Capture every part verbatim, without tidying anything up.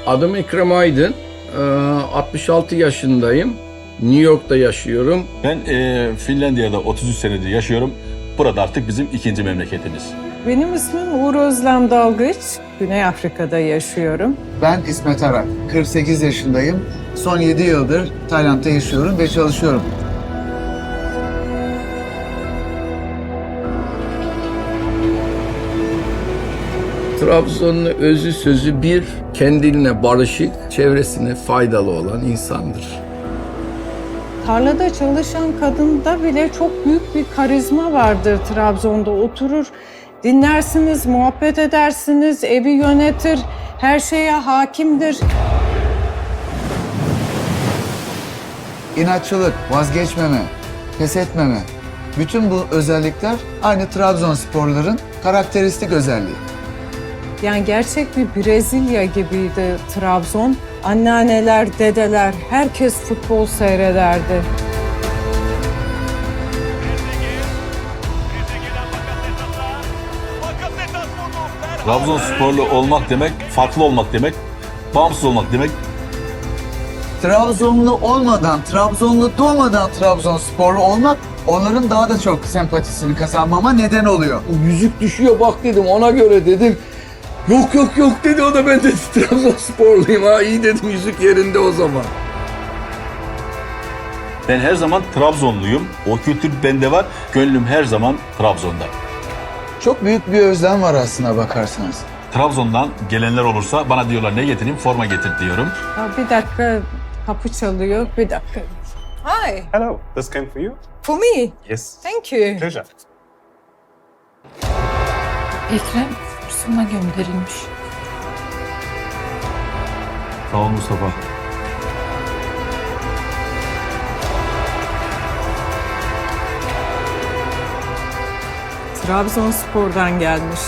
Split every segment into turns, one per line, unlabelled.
Adım Ekrem Aydın. Ee, altmış altı yaşındayım. New York'ta yaşıyorum.
Ben e, Finlandiya'da otuz üç senedir yaşıyorum. Burada artık bizim ikinci memleketimiz.
Benim ismim Uğur Özlem Dalgıç. Güney Afrika'da yaşıyorum.
Ben İsmet Arak, kırk sekiz yaşındayım. Son yedi yıldır Tayland'da yaşıyorum ve çalışıyorum.
Trabzon'un özü sözü bir, kendine barışık, çevresine faydalı olan insandır.
Tarlada çalışan kadında bile çok büyük bir karizma vardır Trabzon'da. Oturur, dinlersiniz, muhabbet edersiniz, evi yönetir, her şeye hakimdir.
İnatçılık, vazgeçmeme, pes etmeme. Bütün bu özellikler aynı Trabzonsporların karakteristik özelliği.
Yani gerçek bir Brezilya gibiydi Trabzon. Anneanneler, dedeler, herkes futbol seyrederdi.
Trabzonsporlu olmak demek, farklı olmak demek, bağımsız olmak demek.
Trabzonlu olmadan, Trabzonlu doğmadan Trabzonsporlu olmak onların daha da çok sempatisini kazanmama neden oluyor.
Yüzük düşüyor bak dedim, ona göre dedim. Yok yok yok dedi, o da ben de Trabzonsporluyum ha, iyi dedim, yüzük yerinde o zaman.
Ben her zaman Trabzonluyum. O kültür bende var. Gönlüm her zaman Trabzon'da.
Çok büyük bir özlem var aslına bakarsanız.
Trabzon'dan gelenler olursa bana diyorlar ne getireyim? Forma getir diyorum.
Ya bir dakika, kapı çalıyor, bir dakika. Hi,
Hello, this came for you?
for me.
Yes.
Thank you.
Pleasure.
Ekrem sana gönderilmiş.
Sağ ol Mustafa.
Trabzonspor'dan gelmiş.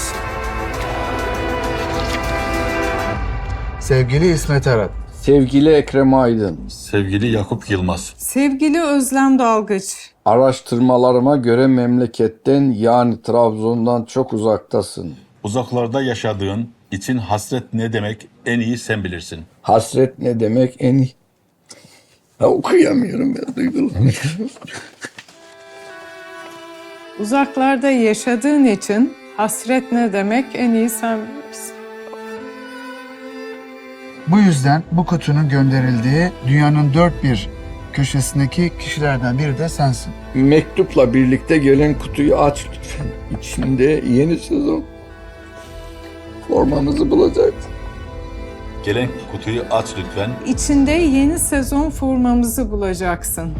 Sevgili İsmet Arak,
Sevgili Ekrem Aydın,
Sevgili Yakup Yılmaz.
Sevgili Özlem Dalgıç.
araştırmalarıma göre memleketten, yani Trabzon'dan çok uzaktasın.
Uzaklarda yaşadığın için hasret ne demek en iyi sen bilirsin.
Hasret ne demek en iyi? Ha, okuyamıyorum ben, duygulanıyorum.
Uzaklarda yaşadığın için hasret ne demek en iyi sen bilirsin.
bu yüzden bu kutunun gönderildiği dünyanın dört bir köşesindeki kişilerden biri de sensin.
Mektupla birlikte gelen kutuyu aç lütfen. İçinde yeni sezon formanızı bulacaksın.
Gelen kutuyu aç lütfen.
İçinde yeni sezon formamızı bulacaksın.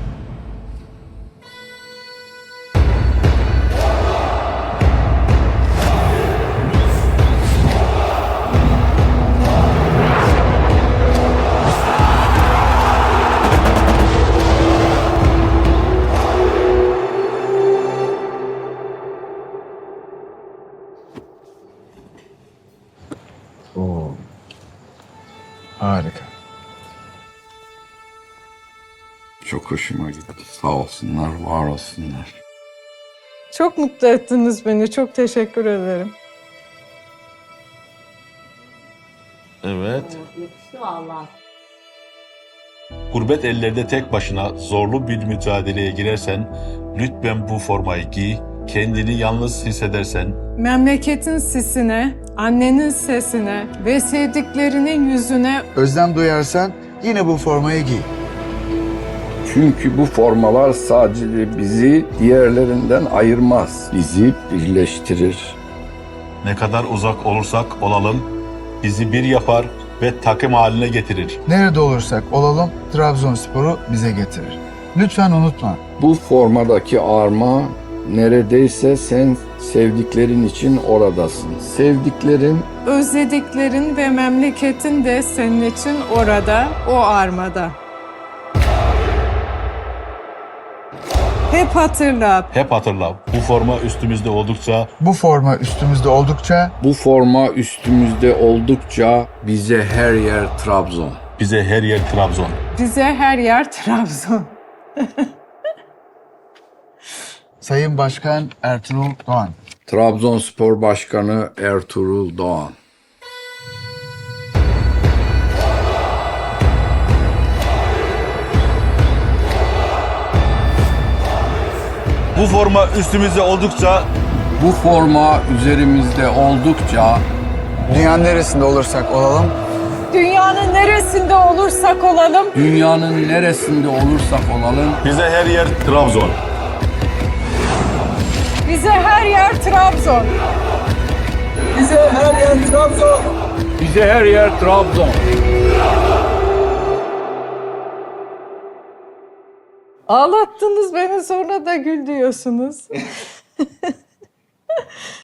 Oo. Harika.
Çok hoşuma gitti. Sağ olsunlar, var olsunlar.
Çok mutlu ettiniz beni. Çok teşekkür ederim.
Evet. Gurbet ellerde tek başına zorlu bir mücadeleye girersen, lütfen bu formayı giy, kendini yalnız hissedersen,
Memleketin sisine, annenin sesine ve sevdiklerinin yüzüne
Özlem duyarsan yine bu formayı giy.
Çünkü bu formalar sadece bizi diğerlerinden ayırmaz. Bizi birleştirir.
ne kadar uzak olursak olalım, bizi bir yapar ve takım haline getirir.
Nerede olursak olalım Trabzonspor'u bize getirir. Lütfen unutma.
Bu formadaki arma neredeyse sen sevdiklerin için oradasın. Sevdiklerin
özlediklerin ve memleketin de senin için orada, o armada. Hep hatırla,
Hep hatırla, bu forma üstümüzde oldukça
Bu forma üstümüzde oldukça
bu forma üstümüzde oldukça bize her yer Trabzon.
bize her yer Trabzon.
bize her yer Trabzon.
Sayın Başkan Ertuğrul Doğan.
Trabzonspor Başkanı Ertuğrul Doğan.
Bu forma üstümüzde oldukça
Bu forma üzerimizde oldukça
Dünyanın neresinde olursak olalım
Dünyanın neresinde olursak olalım,
dünyanın neresinde olursak olalım
bize her yer Trabzon.
bize her yer Trabzon.
bize her yer Trabzon. Bize her yer Trabzon.
Ağlattınız beni, sonra da gül diyorsunuz.